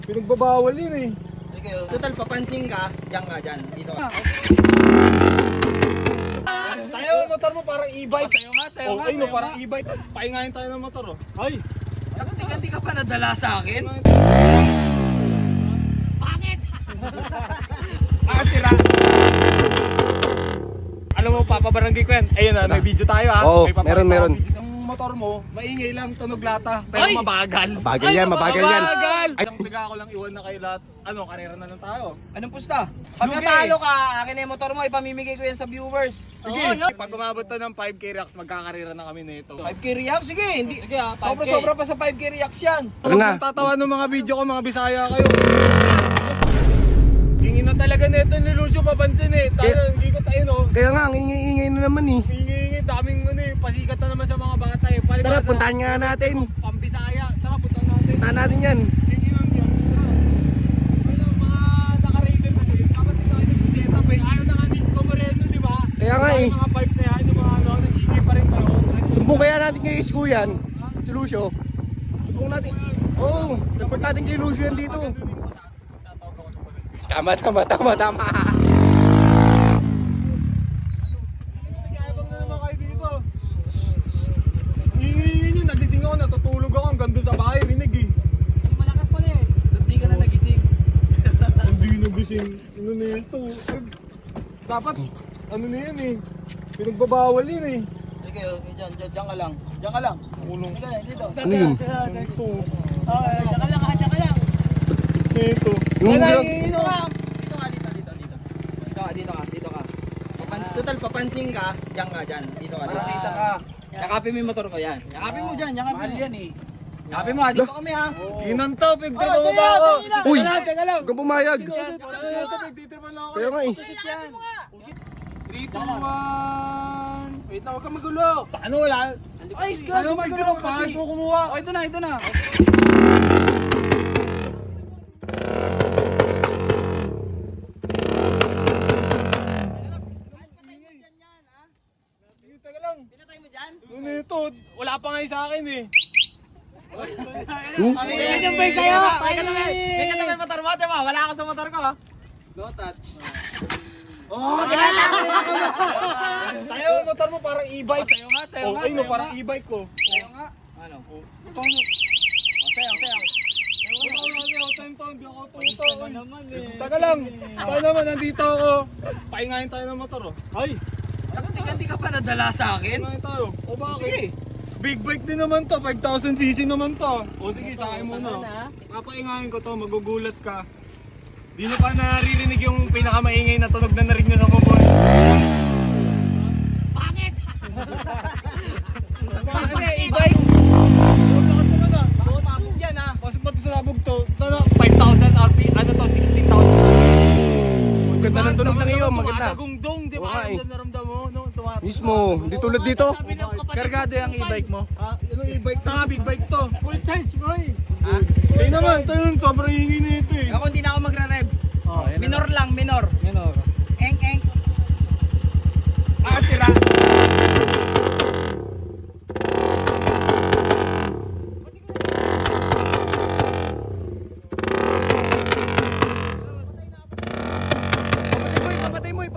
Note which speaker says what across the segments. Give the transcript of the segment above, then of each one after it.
Speaker 1: Pinagbabawal yun eh.
Speaker 2: Sige, total papansin ka, diyan ka dyan. Dito ka.
Speaker 1: Tayo, motor mo parang e-bike.
Speaker 2: Sayo nga, sayo nga.
Speaker 1: Okay no, parang e-bike. Paingayin tayo ng motor oh. Ay!
Speaker 2: Hindi ka pa nadala sa akin.
Speaker 1: Sira! Alam mo, papabarangay ko yan. Ayun na, may video tayo ha.
Speaker 3: Oo,
Speaker 1: May papakita
Speaker 3: meron.
Speaker 1: ako video. Ang motor mo, maingay lang, tunog lata. Pero
Speaker 2: Ay!
Speaker 1: mabagal.
Speaker 3: Mabagal yan, mabagal yan.
Speaker 1: Mabagal! Isang piga ko lang iwan na kayo lahat. Ano, karera na lang tayo.
Speaker 2: Anong pusta? Pag natalo ka, akin na yung motor mo, ipamimigay ko yan sa viewers.
Speaker 1: Sige,
Speaker 2: Oo, no?
Speaker 1: pag umabot to ng 5K reacts, magkakarera na kami nito.
Speaker 2: 5K reacts? Sige, hindi.
Speaker 4: Sige ha, 5K.
Speaker 2: Sobra-sobra pa sa 5K reacts yan.
Speaker 3: Tara na.
Speaker 1: Kung tatawa ng mga video ko, mga Bisaya kayo. Hingin na talaga nito ni Lucio, papansin eh. Tayo, hindi ko tayo no.
Speaker 3: Kaya nga, ang ingay-ingay na naman eh.
Speaker 1: Hingi, daming ano eh, pasikat na naman sa mga bata eh.
Speaker 3: Tara,
Speaker 1: Palibasa,
Speaker 3: puntahan nga natin.
Speaker 1: Pambisaya. Tara, puntahan natin.
Speaker 3: Puntahan natin yan.
Speaker 1: Hingi lang yan. Ano, mga naka-raider kasi. Kapag ito ay nag-setup eh. Ayaw na nga Nisco Moreno, di ba?
Speaker 3: Kaya nga eh.
Speaker 1: Yung mga pipe na yan, yung mga ano, nag-hingi pa rin tayo.
Speaker 3: Sumbong kaya natin kay Isko yan. Si Lucio. Sumbong natin. Oo, report natin kay Lucio yan dito. Tama.
Speaker 1: Nag-aabang na naman kayo dito. Hingi nyo, nagising ako, natutulog ako. Hanggang doon sa bahay, rinig eh.
Speaker 2: Malakas pala eh. Hindi ka na nagising.
Speaker 1: Hindi nagising. Ano na yun to? Dapat, ano na yan eh. Pinagbabawal yun eh.
Speaker 2: Sige, diyan ka lang. Diyan ka lang.
Speaker 1: Kulong.
Speaker 2: Sige, dito.
Speaker 3: Ano yun?
Speaker 1: Ito.
Speaker 2: Diyan ka lang, diyan ka lang.
Speaker 1: Ito.
Speaker 3: Yung
Speaker 2: Dito
Speaker 3: vlog.
Speaker 2: ka. Total papansin ka, diyan ka dyan. Dito ka. Yakapin mo yung motor ko yan. Yakapin mo dyan, yakapin mo. Yan eh. Yakapin mo, dito kami ha.
Speaker 1: Ginanta, pigtira mo ba ako?
Speaker 3: Uy,
Speaker 2: Teka lang.
Speaker 3: huwag kang pumayag.
Speaker 1: Ito, pigtitripan lang ako.
Speaker 3: Kaya nga eh.
Speaker 2: Yan.
Speaker 1: 3, 2, 1. Wait na, huwag kang magulo. Ano wala?
Speaker 2: Ay,
Speaker 1: Ano magulo pa? Hindi ko kumuha.
Speaker 2: Oh, ito na.
Speaker 1: Teka lang.
Speaker 2: Pinatay mo dyan?
Speaker 1: Ano ito? Wala pa nga yung sa akin eh.
Speaker 2: Yan yung bay sa'yo! May katabi motor mo, diba? Wala ako sa motor ko ha. No touch. Oh,
Speaker 1: Tayo, motor mo parang e-bike.
Speaker 2: Sayo nga.
Speaker 1: Okay no, parang e-bike ko.
Speaker 2: Sayo nga. Ano?
Speaker 1: Ito mo.
Speaker 2: Sayo.
Speaker 1: Hindi ako tuto. Teka lang. Tayo naman, nandito ako. Paingayin tayo ng motor oh. Ay!
Speaker 2: Hindi ka pa nadala sa akin?
Speaker 1: Paingayin tayo. O bakit?
Speaker 2: Sige.
Speaker 1: Big bike din naman to, 5,000cc naman to. O sige, sa akin muna. Papaingayin ko to, magugulat ka. Di nyo pa naririnig yung pinakamaingay na tunog na narinig nyo sa kumpon.
Speaker 2: Bakit?
Speaker 1: Ano e-bike? Lakas naman ah.
Speaker 2: Baka sumabog dyan ha.
Speaker 1: Kasi pati sa labog to, 5,000 RP, ano to, 16,000.
Speaker 3: Ganda ng tunog ng iyo, maganda.
Speaker 1: Tumatagong-dong, di
Speaker 3: Oo
Speaker 1: ba?
Speaker 3: nga eh.
Speaker 1: Ang naramdam mo, no?
Speaker 3: Mismo, hindi tulad dito.
Speaker 2: Kargado yung e-bike mo.
Speaker 1: Ah, ano e-bike to? Big bike to.
Speaker 4: Full charge, boy.
Speaker 2: Ha?
Speaker 1: Sa'yo naman, tayo yun, sobrang hingi na ito eh.
Speaker 2: Ako hindi na ako magre-rev. Minor lang, minor.
Speaker 4: Minor.
Speaker 2: Eng. Sira.
Speaker 3: Papatay mo.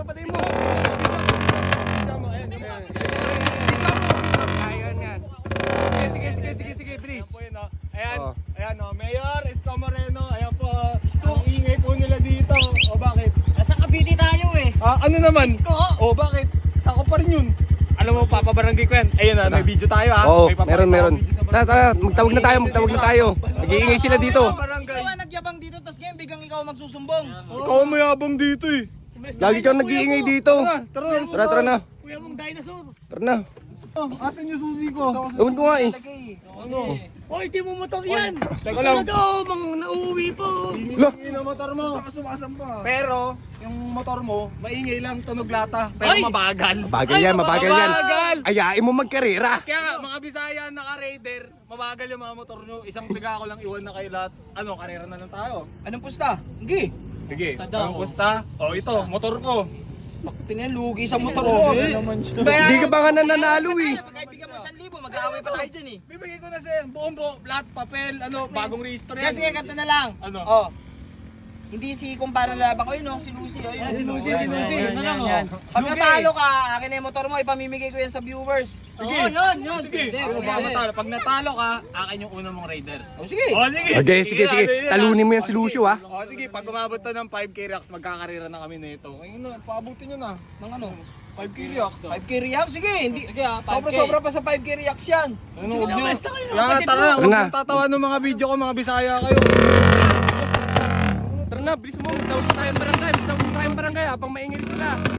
Speaker 3: Ayan yan. Sige, please.
Speaker 1: Ayan po yun, oh. Ayan,
Speaker 3: Oh.
Speaker 1: ayan oh. Mayor Isko Moreno, ayan po. Ang ingay po nila dito. O bakit?
Speaker 4: Nasa Cavite tayo eh.
Speaker 1: Ano naman? O bakit? Sako pa rin yun. Alam mo, papabarangay ko yan. Ayun na, may video tayo ha.
Speaker 3: Oo,
Speaker 1: May papakita
Speaker 3: meron.
Speaker 1: akong video sa barangay.
Speaker 3: Tara, magtawag na tayo. Nag-iingay sila dito.
Speaker 1: Barangay.
Speaker 2: Ikaw nagyabang dito, tapos ngayon biglang ikaw magsusumbong.
Speaker 1: Ikaw ang mayabang dito eh.
Speaker 3: Lagi kang nag-iingay dito. Tara na.
Speaker 4: Kuya mong dinosaur.
Speaker 3: Tara na.
Speaker 1: Asan yung susi ko?
Speaker 3: Gawin ko nga eh.
Speaker 1: Ano?
Speaker 4: Hoy, di mo motor yan.
Speaker 1: Teka lang.
Speaker 4: Mang nauuwi po.
Speaker 3: Lo.
Speaker 1: Ingay na motor mo.
Speaker 2: Saka sumasamba.
Speaker 1: Pero, yung motor mo, maingay lang, tunog lata. Pero
Speaker 4: Ay!
Speaker 1: mabagal.
Speaker 3: Mabagal yan.
Speaker 1: Mabagal!
Speaker 3: Ayain mo magkarera.
Speaker 1: Kaya nga, mga Bisaya naka-raider, mabagal yung mga motor nyo. Isang piga ko lang iwan na kayo lahat. Ano, karera na lang tayo.
Speaker 2: Anong pusta? Hindi.
Speaker 1: Sige,
Speaker 4: Pusta daw.
Speaker 1: ang pusta. O ito, motor ko.
Speaker 2: Tingnan, lugi sa motor ko.
Speaker 4: Grabe naman siya.
Speaker 3: Hindi ka ba nga nananalo eh.
Speaker 2: Kahit bigyan mo 1,000, Mag-aaway pa tayo dyan eh.
Speaker 1: Bibigay ko na sa'yo. Buong lahat, papel, bagong registro yan.
Speaker 2: Sige, ganito na lang.
Speaker 1: Ano?
Speaker 2: Oh. Hindi si kumpara lalaban ko yun, oh. Si Lucy, oh. Yun, si Lucy. Yun na lang, oh. Pag natalo ka, akin na yung motor mo, ipamimigay ko yan sa viewers.
Speaker 1: Sige.
Speaker 2: Yun.
Speaker 1: Sige. Baka matalo. Pag natalo ka, akin yung una mong rider.
Speaker 2: Oh, sige.
Speaker 1: Oh, sige.
Speaker 3: Okay, sige.
Speaker 1: Ano yun,
Speaker 3: Talunin mo yan si Lucio, ha?
Speaker 1: Oh, sige. Pag umabot to ng 5K reacts, magkakarira na kami nito. Ngayon na, paabutin nyo na.
Speaker 2: Nang ano?
Speaker 1: 5K reacts.
Speaker 2: 5K reacts? Sige, hindi.
Speaker 4: Sige, 5K.
Speaker 2: Sobra-sobra pa sa 5K reacts yan.
Speaker 1: Ano, huwag nyo.
Speaker 4: basta kayo,
Speaker 1: Kaya nga,
Speaker 4: kapatid
Speaker 1: tara,
Speaker 4: mo.
Speaker 1: huwag
Speaker 3: Tara na.
Speaker 1: nyo tatawa ng mga video ko, mga Bisaya kayo.
Speaker 3: Tara na, bilis mo. Magdawin tayo ng barangay. Habang maingay sila.